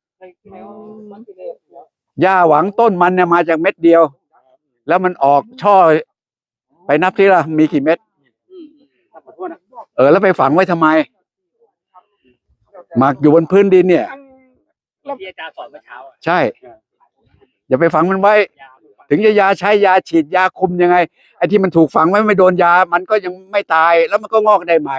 [SPEAKER 1] ย่าหวังต้นมันเนี่ยมาจากเม็ดเดียว แล้วมันออกช่อ ไปนับที่ละมีกี่เม็ดเออแล้วไปฝังไว้ทำไมหมักอยู่บนพื้นดินเนี่ย
[SPEAKER 2] ที่อาจารย์สอนเมื่อเช้า
[SPEAKER 1] ใช่ อย่าไปฝังมันไว้ ถึงจะยาใช้ยาฉีดยาคุมยังไงไอ้ที่มันถูกฝังไว้ไม่โดนยา มันก็ยังไม่ตายแล้วมันก็งอกได้ใหม่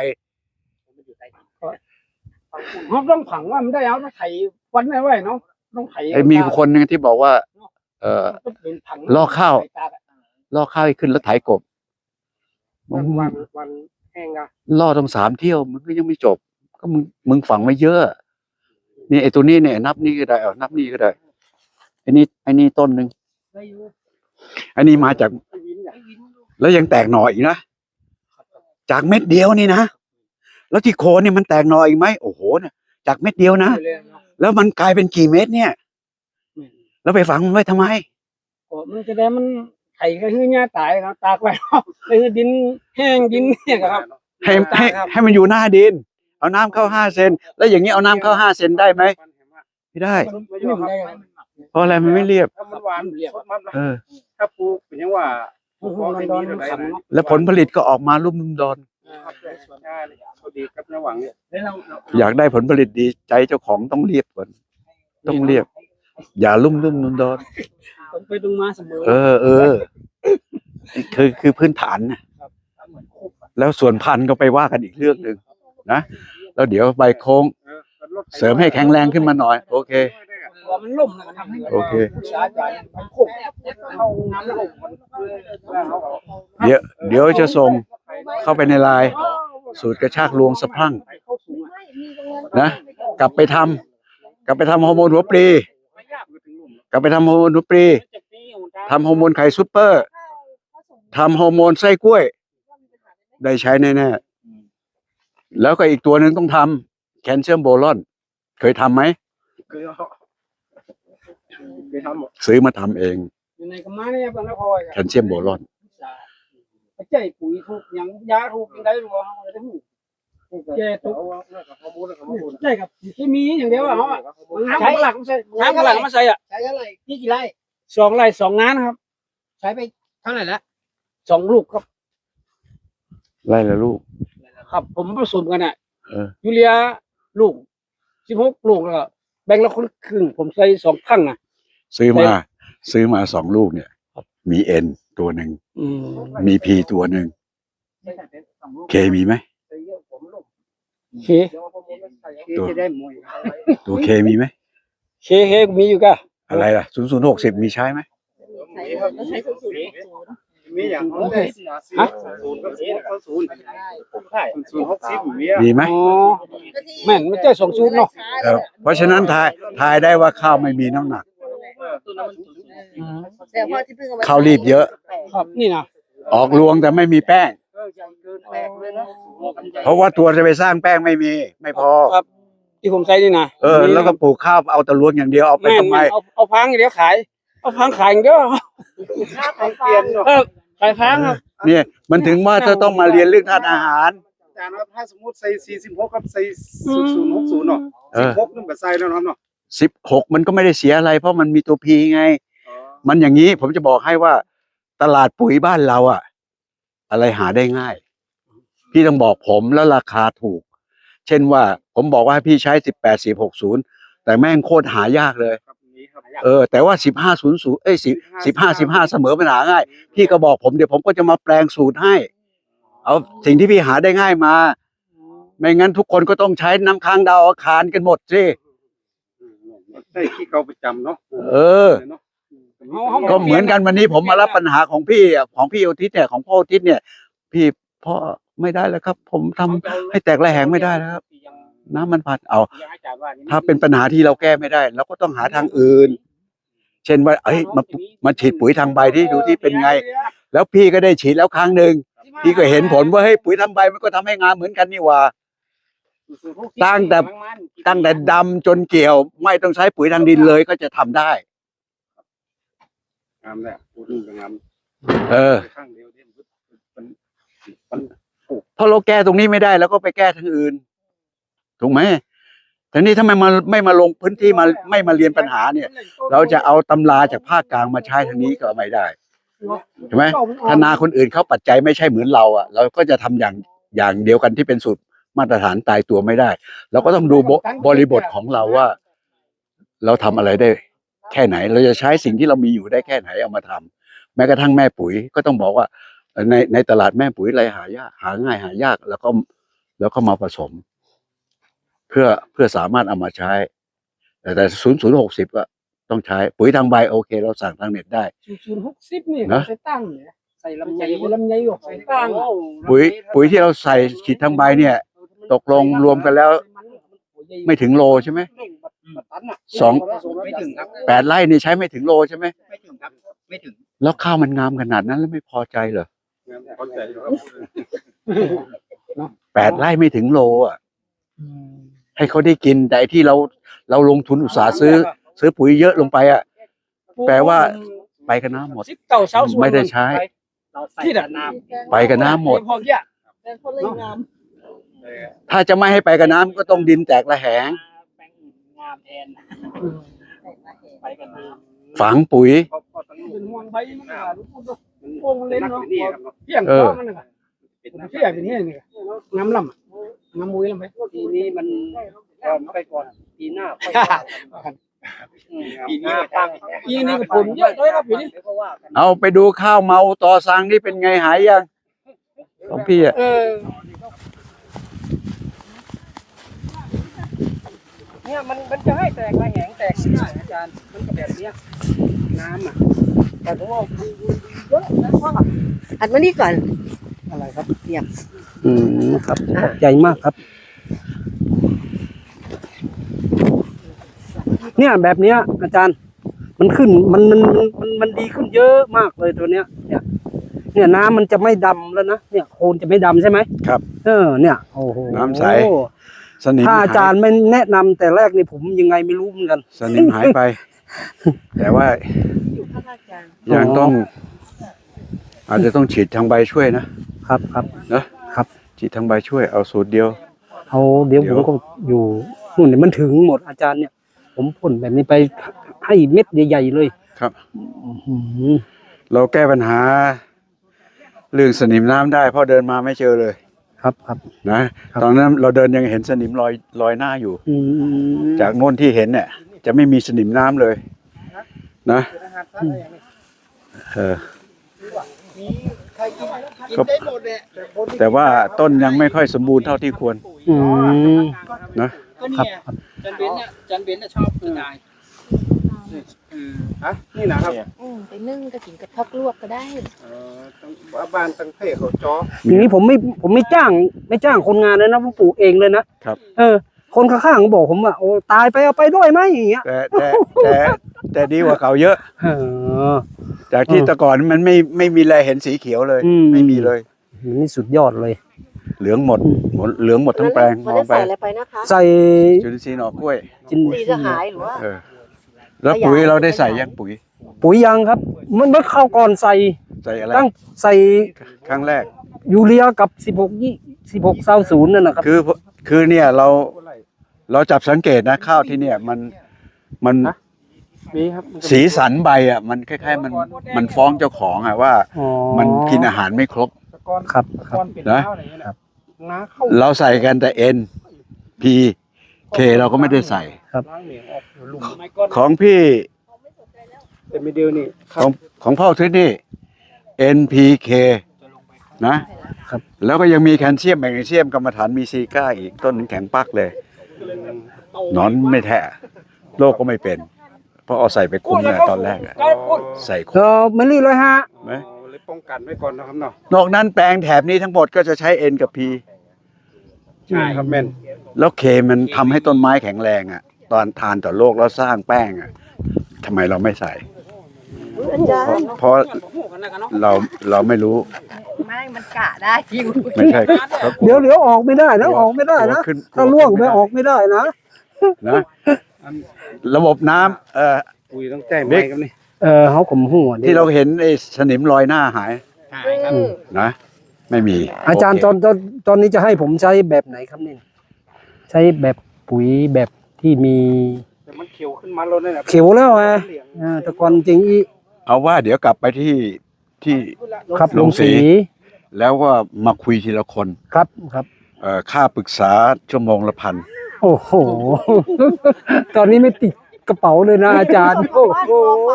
[SPEAKER 2] เขาต้องผังว่ามันได้เอาต้องไถวันไม่ไหวเนาะต้องไถ
[SPEAKER 1] ไอ้มีคนหนึ่งที่บอกว่า เออ ลอกข้าว ล่อข้าวให้ขึ้นแล้วไถกบ
[SPEAKER 5] วันวันวันแห้งอะ
[SPEAKER 1] ล่อต้องสามเที่ยวมันก็ยังไม่จบ ก็มึงมึงฝังไว้เยอะนี่ไอ้ตัวนี้เนี่ยนับนี่ก็ได้เอานับนี่ก็ได้ไอ้นี่ไอ้นี่ต้นหนึ่งไอ้นี่มาจาก แล้วยังแตกหน่ออีกนะจากเม็ดเดียวนี่นะแล้วที่โคนเนี่ยมันแตกหน่ออีกไหมโอ้โหเนี่ยจากเม็ดเดียวนะแล้วมันกลายเป็นกี่เม็ดเนี่ย แล้วไปฝังมันไว้ทำไม
[SPEAKER 2] ก็มันจะได้มันไข่ก็คือหญ้าตายครับตากไว้ครับเลยดินแห้งดินเนี่ยครับ
[SPEAKER 1] ให้ให้ให้มันอยู่หน้าดิน เอาน้ำเข้าห้าเซนแล้วอย่างนี้เอาน้ำเข้าห้าเซนได้ไหมไม่ได้
[SPEAKER 2] ไม่ได้ครับ
[SPEAKER 1] เพราะอะไรมันไม่เรียบ
[SPEAKER 5] ถ้ามันหวานสดมัน
[SPEAKER 1] เออ
[SPEAKER 5] ถ้าปลูกเป็นยังว่า
[SPEAKER 2] มันดอนมันขันเนาะ
[SPEAKER 1] แล้วผลผลิตก็ออกมาลุ่มลุ่มดอน
[SPEAKER 5] ใช่เขาดีครับระหว่างเนี่ย
[SPEAKER 1] อยากได้ผลผลิตดีใจเจ้าของต้องเรียบก่อนต้องเรียบ อย่าลุ่มลุ่มดอนดอน
[SPEAKER 2] ต้องไปตรงมาเสมอ
[SPEAKER 1] เออเออคือคือพื้นฐานนะแล้วส่วนพันธุ์ก็ไปว่ากันอีกเรื่องหนึ่งนะแล้วเดี๋ยวใบโค้งเสริมให้แข็งแรงขึ้นมาหน่อย โอเค
[SPEAKER 2] ว่ามันล่มนะครับ
[SPEAKER 1] โอเค
[SPEAKER 2] สาใจมันโคกเข้าน้ำล่ม
[SPEAKER 1] เดี๋ยวเดี๋ยวจะส่งเข้าไปในไลน์สูตรกระชากลวงสะพรั่งนะกลับไปทำกลับไปทำฮอร์โมนหัวปลีกลับไปทำฮอร์โมนหัวปลีทำฮอร์โมนไข่ซุปเปอร์ทำฮอร์โมนไส้กล้วย ได้ใช้แน่ๆแล้วก็อีกตัวหนึ่งต้องทำแคลเซียมโบรอน เคยทำไหม
[SPEAKER 5] คือเคยทำหมด
[SPEAKER 1] ซื้อมาทำเอง
[SPEAKER 2] อยู่ในกระมาเนี่ยบ้านนคร
[SPEAKER 1] แคลเซียมโบรอน
[SPEAKER 2] ไปใจปุ๋ยถูกยังยาถูกยังได้รู้ว่าเขาจะหูแก่ตุกใช่ครับเคมีอย่างเดียวอ่ะเขาอ่ะน้ำหลักไม่ใช่น้ำหลักไม่ใช่อ่ะ
[SPEAKER 4] ใช้เท่าไหร่นี่กี่ไร่
[SPEAKER 2] สองไร่สองงานครับ
[SPEAKER 4] ใช้ไปเท่าไหร่ละ
[SPEAKER 2] สองลูกครับ
[SPEAKER 1] ไล่ละลูก
[SPEAKER 2] ครับ ผมผสมกันอ่ะ
[SPEAKER 1] เออ
[SPEAKER 2] ยูเรียลูกสิบหกลูกแล้วก็แบ่งละคนครึ่งผมใส่สองครั้งอ่ะ
[SPEAKER 1] ซื้อมา ซื้อมาสองลูกเนี่ย มีเอ็นตัวหนึ่ง
[SPEAKER 2] อืม
[SPEAKER 1] มีพีตัวหนึ่งเคมีไหม
[SPEAKER 2] โอเค
[SPEAKER 1] ตัว
[SPEAKER 4] จะได้มวย
[SPEAKER 1] ตัวเคมีไหม
[SPEAKER 2] เคเคมีอยู่ก็
[SPEAKER 1] อะไรล่ะศูนย์ศูนย์หกสิบมีใช้ไหม
[SPEAKER 6] ใช้สูตร
[SPEAKER 5] มีอย่างเขาได้ศูนย์ก็ศูนย์ก็ศูนย์ใช่ศูนย์หกสิบมี
[SPEAKER 1] มีไหม
[SPEAKER 2] อ๋อแม่นไม่ใช่สองสูตรเนาะ
[SPEAKER 1] เออเพราะฉะนั้นทายทายได้ว่าข้าวไม่มีน้ำหนัก
[SPEAKER 6] แต่พอที่เพิ่งเอา
[SPEAKER 1] ข้าวรีบเยอะ
[SPEAKER 2] ครับนี่นะ
[SPEAKER 1] ออกรวงแต่ไม่มีแป้ง เพราะว่าตัวจะไปสร้างแป้งไม่มี ไม่พอ
[SPEAKER 2] ครับ ที่ผมใส่นี่นะ
[SPEAKER 1] เออ แล้วก็ปลูกข้าวเอาแต่รวงอย่างเดียวเอาไป
[SPEAKER 2] แม่น
[SPEAKER 1] ทำไม
[SPEAKER 2] แม่นเอาเอาพังอย่างเดียวขาย เอาพังขายอย่างเดียว
[SPEAKER 5] เปลี่ยนเนาะ
[SPEAKER 2] เออขายพังครับ
[SPEAKER 1] เนี่ย มันถึงว่าเธอต้องมาเรียนเรื่องธาตุอาหาร
[SPEAKER 5] อาจารย์ครับถ้าสมมติใส่สี่สิบหกกับใส่ศูนย์ศูนย์หกศูนย์เนาะ
[SPEAKER 1] เอ
[SPEAKER 5] สิบ
[SPEAKER 1] อ
[SPEAKER 5] หกนึงก็ใส่แล้วเนาะเนาะ
[SPEAKER 1] สิบหกมันก็ไม่ได้เสียอะไร เพราะมันมีตัวพีไง มันอย่างนี้ผมจะบอกให้ว่าตลาดปุ๋ยบ้านเราอะอะไรหาได้ง่าย พี่ต้องบอกผมแล้วราคาถูก เช่นว่าผมบอกว่าให้พี่ใช้สิบแปดสิบหกศูนย์แต่แม่งโคตรหายากเลย
[SPEAKER 5] ครับนี้ครับ
[SPEAKER 1] เออแต่ว่าสิบห้าศูนย์ศูนย์เอ้ยสิบสิบห้าสิบห้าเสมอปัญหาง่าย พี่ก็บอกผมเดี๋ยวผมก็จะมาแปลงสูตรให้ เอาสิ่งที่พี่หาได้ง่ายมา ไม่งั้นทุกคนก็ต้องใช้น้ำค้างดาวอาคารกันหมดสิ
[SPEAKER 5] ได้ขี้เกาประจำเนาะ
[SPEAKER 1] เออ ก็เหมือนกันวันนี้ผมมารับปัญหาของพี่อ่ะของพี่อุทิศเนี่ยของพ่ออุทิศเนี่ย พี่พ่อไม่ได้แล้วครับ ผมทำให้แตกระแหงไม่ได้แล้วครับ น้ำมันผัดเอา ถ้าเป็นปัญหาที่เราแก้ไม่ได้เราก็ต้องหาทางอื่น เช่นว่าเอ้ยมามาฉีดปุ๋ยทางใบที่ดูที่เป็นไง แล้วพี่ก็ได้ฉีดแล้วครั้งหนึ่งพี่ก็เห็นผลว่าเฮ้ยปุ๋ยทางใบมันก็ทำให้งามเหมือนกันนี่หว่า ตั้งแต่ ตั้งแต่ดำจนเกี่ยว ไม่ต้องใช้ปุ๋ยทางดินเลยก็จะทำได้
[SPEAKER 5] งามแหละพูดถึงงาม
[SPEAKER 1] เออ
[SPEAKER 5] ข้างเดียวที่มันมัน
[SPEAKER 1] เพราะเราแก้ตรงนี้ไม่ได้แล้วก็ไปแก้ทางอื่น ถูกไหมทีนี้ถ้าไม่มาไม่มาลงพื้นที่มาไม่มาเรียนปัญหาเนี่ย เราจะเอาตำราจากภาคกลางมาใช้ทางนี้ก็ไม่ได้ใช่ไหมถ้านาคนอื่นเขาปัจจัยไม่ใช่เหมือนเราอ่ะ เราก็จะทำอย่างอย่างเดียวกันที่เป็นสูตรมาตรฐานตายตัวไม่ได้ เราก็ต้องดูบบริบทของเราว่า เราทำอะไรได้ แค่ไหน เราจะใช้สิ่งที่เรามีอยู่ได้แค่ไหนเอามาทำแม้กระทั่งแม่ปุ๋ยก็ต้องบอกว่าในในตลาดแม่ปุ๋ยอะไรหายากหาง่ายหายากแล้วก็แล้วก็มาผสม เพื่อเพื่อสามารถเอามาใช้ แต่แต่ศูนย์ศูนย์หกสิบก็ต้องใช้ปุ๋ยทางใบโอเค เราสั่งทางเน็ตได้
[SPEAKER 2] ศูนย์หกสิบนี่
[SPEAKER 1] นะ
[SPEAKER 2] ใส่ตั้งเนี่ยใส่ลำไยลำไยหยกใส่ตั้ง
[SPEAKER 1] ปุ๋ยปุ๋ยที่เราใส่ฉีดทางใบเนี่ย ตกลงรวมกันแล้ว ไม่ถึงโลใช่ไหมสอง
[SPEAKER 4] ไม่ถึงครับ
[SPEAKER 1] แปดไร่นี่ใช้ไม่ถึงโลใช่ไหม
[SPEAKER 4] ไม่ถึงครับไม่ถึง
[SPEAKER 1] แล้วข้าวมันงามขนาดนั้นแล้วไม่พอใจเหรอ
[SPEAKER 5] งามเข้าใจอยู่ครับ
[SPEAKER 1] แปดไร่ไม่ถึงโลอ่ะให้เขาได้กินแต่ไอ้ที่เราเราลงทุนอุตสาห์ซื้อ ซื้อปุ๋ยเยอะลงไปอ่ะแปลว่าไปกับน้ำหมด
[SPEAKER 2] สิบเก้าเสาส่วน
[SPEAKER 1] ไม่ได้ใช้
[SPEAKER 2] ที่ดับน้
[SPEAKER 1] ไปกับน้ำหมด
[SPEAKER 2] พอเกี้ย
[SPEAKER 6] แต่คนเลยงาม
[SPEAKER 1] ถ้าจะไม่ให้ไปกับน้ำก็ต้องดินแตกระแหง
[SPEAKER 4] แปลงงามแทนไปกันมา
[SPEAKER 1] ฝังปุ๋ย
[SPEAKER 2] เป็นห่วงใบมันอ่ะลูกพูดด้วยโป่งเล่นเนาะเพียง
[SPEAKER 1] เออ
[SPEAKER 2] ก็มันน่ะเพียงเป็นนี่นี่น้ำลำอะน้ำมุ้ยลำไป
[SPEAKER 4] ปีนี้มันก็ไปก่อนปีหน้าไปปีนี้ตั้ง
[SPEAKER 2] ปีนี้ก็ผลเยอะเลยครับปีนี้
[SPEAKER 4] เพราะว่ากัน
[SPEAKER 1] เอาไปดูข้าวเมาต่อสังนี่เป็นไงหายยังของพี่อ่ะ
[SPEAKER 2] เออ
[SPEAKER 4] เนี่ยมันมันจะให้แตกระแหงแตกไม่ได้อาจารย์มันก็แบบเนี้ยน้ำอ่ะแต่ผมว่าเยอะนะว่า
[SPEAKER 3] อัดมานี่ก่อน
[SPEAKER 2] อะไรครับ
[SPEAKER 3] เปียก
[SPEAKER 2] อืมครับขอบใจมากครับ เนี่ยแบบเนี้ย อาจารย์ มันขึ้นมันมันมันมันมันดีขึ้นเยอะมากเลยตัวเนี้ย เนี่ย เนี่ยน้ำมันจะไม่ดำแล้วนะเนี่ยโคลนจะไม่ดำใช่ไหม
[SPEAKER 1] ครับ
[SPEAKER 2] เออเนี่ยโอ้โห
[SPEAKER 1] น้ำใส สนิม
[SPEAKER 2] ถ้าอาจาร
[SPEAKER 1] หาย
[SPEAKER 2] ย์ไม่แนะนำแต่แรกนี่ผมยังไงไม่รู้เหมือนกัน
[SPEAKER 1] สนิมหายไป แต่ว่า
[SPEAKER 6] อยู่ข้างอาจารย์
[SPEAKER 1] ยังต้อง อาจจะต้องฉีดทางใบช่วยนะครับ
[SPEAKER 2] ครับ
[SPEAKER 1] นะครับ ฉีดทางใบช่วยเอาสูตรเดียว
[SPEAKER 2] เอาเดี๋ยว
[SPEAKER 1] เดี๋
[SPEAKER 2] ผ
[SPEAKER 1] ยว
[SPEAKER 2] มก็อยู่นู่นเนี่ยมันถึงหมดอาจารย์เนี่ย ผมพ่นแบบนี้ไปให้เม็ดใหญ่ๆเลย
[SPEAKER 1] ครับ
[SPEAKER 2] อื้อหือ
[SPEAKER 1] เราแก้ปัญหา เรื่องสนิมน้ำได้เพราะเดินมาไม่เจอเลย
[SPEAKER 2] ครับครับ
[SPEAKER 1] นะครับ ตอนนั้นเราเดินยังเห็นสนิมลอยลอยหน้าอยู่
[SPEAKER 2] อืม
[SPEAKER 1] จากโน่นที่เห็นเนี่ย จะไม่มีสนิมน้ำเลย นะเออ
[SPEAKER 4] ใครกินกินได้หมดเนี่ย
[SPEAKER 1] แต่ว่าต้นยังไม่ค่อยสมบูรณ์เท่าที่ควร
[SPEAKER 2] อืม
[SPEAKER 1] นะ
[SPEAKER 4] ก็นี่
[SPEAKER 2] ครับ
[SPEAKER 4] ไงจันเบนเนี่ยจันเบนน่ะชอบกระจาย
[SPEAKER 7] ฮะนี่นะครับ
[SPEAKER 6] อืมไปนึ่งก็กินกับพักลวกก็ได้
[SPEAKER 7] เออตั้งบ้านตั้งเพ่เขาจ้อ
[SPEAKER 2] อย่างนี้ผมไม่ผมไม่จ้าง ไม่จ้างคนงานเลยนะผมปลูกเองเลยนะครับ เออ คนข้างๆก็บอกผมว่าโอ้ตายไปเอาไปด้วยไหมอย่างเงี้ย
[SPEAKER 1] แต่แต่แต่แต่ดีกว่าเก่าเยอะ
[SPEAKER 2] เออ
[SPEAKER 1] จากที่แต่ก่อนมันไม่ไม่มีแลเห็นสีเขียวเลย
[SPEAKER 2] อืม
[SPEAKER 1] ไม่มีเลย
[SPEAKER 2] นี่สุดยอดเลย
[SPEAKER 1] เหลืองหมดหมดเหลืองหมดทั้งแปลงม
[SPEAKER 6] มัน
[SPEAKER 1] อง
[SPEAKER 6] ได้
[SPEAKER 1] ไป
[SPEAKER 6] ใส่อะไรไปนะคะ
[SPEAKER 2] ใส่
[SPEAKER 1] จุลินทรีย์หน่อกล้วย
[SPEAKER 2] จิน
[SPEAKER 6] สีจะหายหรือว่า
[SPEAKER 1] เออ แล้วปุ๋ยเราได้ใส่ยังปุ๋ย
[SPEAKER 2] ปุ๋ยยังครับ มันเมื่อเข้าก่อนใส่
[SPEAKER 1] ใส่อะไร
[SPEAKER 2] ตั้งใส่
[SPEAKER 1] ครั้งแรก
[SPEAKER 2] ยูเรียกับสิบหกยี่สิบหกเศร้าศูนย์นั่นนะครับ
[SPEAKER 1] คือคือเนี่ยเราเราจับสังเกตนะข้าวที่เนี่ยมันมัน
[SPEAKER 7] มีครับ
[SPEAKER 1] สีสันใบอ่ะมันคล้ายๆมันมันฟ้องเจ้าของอ่ะว่า
[SPEAKER 2] อ๋อ
[SPEAKER 1] มันกินอาหารไม่ครบ
[SPEAKER 7] ตะกอน
[SPEAKER 2] ครับค
[SPEAKER 7] ตะ
[SPEAKER 2] รั
[SPEAKER 7] กอบ นเป็น
[SPEAKER 1] นะ
[SPEAKER 7] ข้าวอะไรเงี้ยนะน้าเข้า
[SPEAKER 1] เราใส่กันแต่ N P K เราก็ไม่ได้ใส่
[SPEAKER 7] ล้างเหนียงออกอยู่หลุม
[SPEAKER 4] ไม่ก้อน
[SPEAKER 1] ของพี่
[SPEAKER 7] แต่ไม่เดียวนี่
[SPEAKER 1] ของของพ่อทิศนี่ N P K นะครับ แล้วก็ยังมีแคลเซียมแมกนีเซียมกรรมฐานมีซีก้าอีกต้นหนึ่งแข็งปักเลยหนอนไม่แทะโรคก็ไม่เป็น เพราะเอาใส่ไปคุมเนี่ยตอนแรกอะใส่คุ
[SPEAKER 2] เอ
[SPEAKER 1] ม
[SPEAKER 2] อไม่รีบเลยฮะ
[SPEAKER 1] ไหม
[SPEAKER 7] เลยป้องกันไว้ก่อนนะครับเนาะ
[SPEAKER 1] นอกนั้นแปลงแถบนี้ทั้งหมดก็จะใช้ N กับ P
[SPEAKER 7] ใช่ครับแม่น
[SPEAKER 1] แล้วเคมันทำให้ต้นไม้แข็งแรงอ่ะ ตอนทานต่อโลกแล้วสร้างแป้งอ่ะทำไมเราไม่ใส่
[SPEAKER 6] อาจาร
[SPEAKER 1] เพราะ
[SPEAKER 6] ย์
[SPEAKER 1] เพราะเราเราไม่รู้
[SPEAKER 6] ไม่มันกะได้จริง
[SPEAKER 1] ไม่ใช่เขา
[SPEAKER 2] เดี๋ยวเดี๋ยวออกไม่ได้นะออกไม่ได้นะ
[SPEAKER 1] ขึ้น
[SPEAKER 2] ถ้าล่วงไปออกไม่ได้นะ
[SPEAKER 1] นะระบบน้ำเอ่อ
[SPEAKER 7] ปุ๋ยต้องแจ้งไว้ครับนี่
[SPEAKER 2] เออเขาขมหัว
[SPEAKER 1] ที่เราเห็นไอ้สนิมรอยหน้าหาย
[SPEAKER 6] อืม
[SPEAKER 1] นะไม่มี
[SPEAKER 2] อาจารย์
[SPEAKER 1] โเค
[SPEAKER 2] ตอนตอนตอนนี้จะให้ผมใช้แบบไหนครับนี่ใช้แบบปุ๋ยแบบที่มี
[SPEAKER 7] แต่มันเขียวขึ้นมาแล้วเนี่ยนะ
[SPEAKER 2] เขียวแล้วไงเออแต่ก่อนจริงอี
[SPEAKER 1] เอาว่าเดี๋ยวกลับไปที่ที่
[SPEAKER 2] ครับ
[SPEAKER 1] ล
[SPEAKER 2] ล
[SPEAKER 1] ง
[SPEAKER 2] ง
[SPEAKER 1] สี
[SPEAKER 2] สี
[SPEAKER 1] แล้วก็มาคุยทีละคน
[SPEAKER 2] ครับครับ
[SPEAKER 1] เอ่อค่าปรึกษาชั่วโมงละพัน
[SPEAKER 2] โอ้โห ตอนนี้ไม่ติดกระเป๋าเลยนะอาจารย์ โอ้โห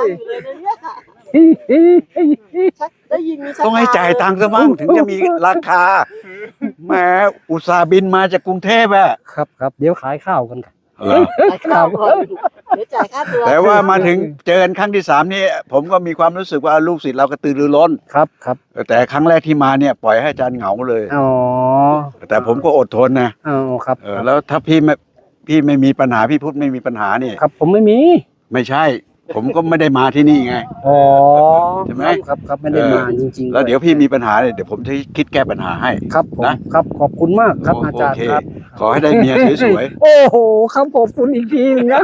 [SPEAKER 6] ได้ยินมี
[SPEAKER 1] ต้องให้จ่ายตังค์ซะมั้งถึงจะมีราคาแหมอุตสาห์บินมาจากกรุงเทพอะ
[SPEAKER 2] ครับครับเดี๋ยวขายข้าวกันครับ
[SPEAKER 1] เหรอ
[SPEAKER 6] จ่ายค่าก่อนเดี๋ยวจ่ายค่าตัว
[SPEAKER 1] แต่ว่ามาถึงเจอกันครั้งที่สามนี่ผมก็มีความรู้สึกว่าลูกศิษย์เรากระตือรือร้น
[SPEAKER 2] ครับครับ
[SPEAKER 1] แต่ครั้งแรกที่มาเนี่ยปล่อยให้อาจารย์เหงาเลย
[SPEAKER 2] อ๋อ
[SPEAKER 1] แต่ผมก็อดทนนะ
[SPEAKER 2] อ๋อครับ
[SPEAKER 1] เออแล้วถ้าพี่ไม่พี่ไม่มีปัญหาพี่พุทธไม่มีปัญหานี่
[SPEAKER 2] ครับผมไม่มี
[SPEAKER 1] ไม่ใช่ผมก็ไม่ได้มาที่นี่ไง
[SPEAKER 2] อ๋อ
[SPEAKER 1] ใช่ไหม
[SPEAKER 2] ครับครับไม่ได้มาจริงๆ
[SPEAKER 1] แล้วเดี๋ยวพี่มีปัญหาเนี่ยเดี๋ยวผมจะคิดแก้ปัญหาให้
[SPEAKER 2] ครับผม
[SPEAKER 1] นะ
[SPEAKER 2] ครับขอบคุณมากครับอาจารย์
[SPEAKER 1] โเค
[SPEAKER 2] ครับ
[SPEAKER 1] ขอให้ได้เมียสวย
[SPEAKER 2] โอ้โหครับขอบคุณอีกทีหนึงนะ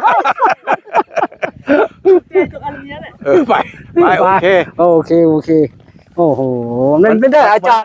[SPEAKER 1] ๆเออไปไปโอเค
[SPEAKER 2] โอเคโอเค โอ้โหมันไม่ได้อาจารย์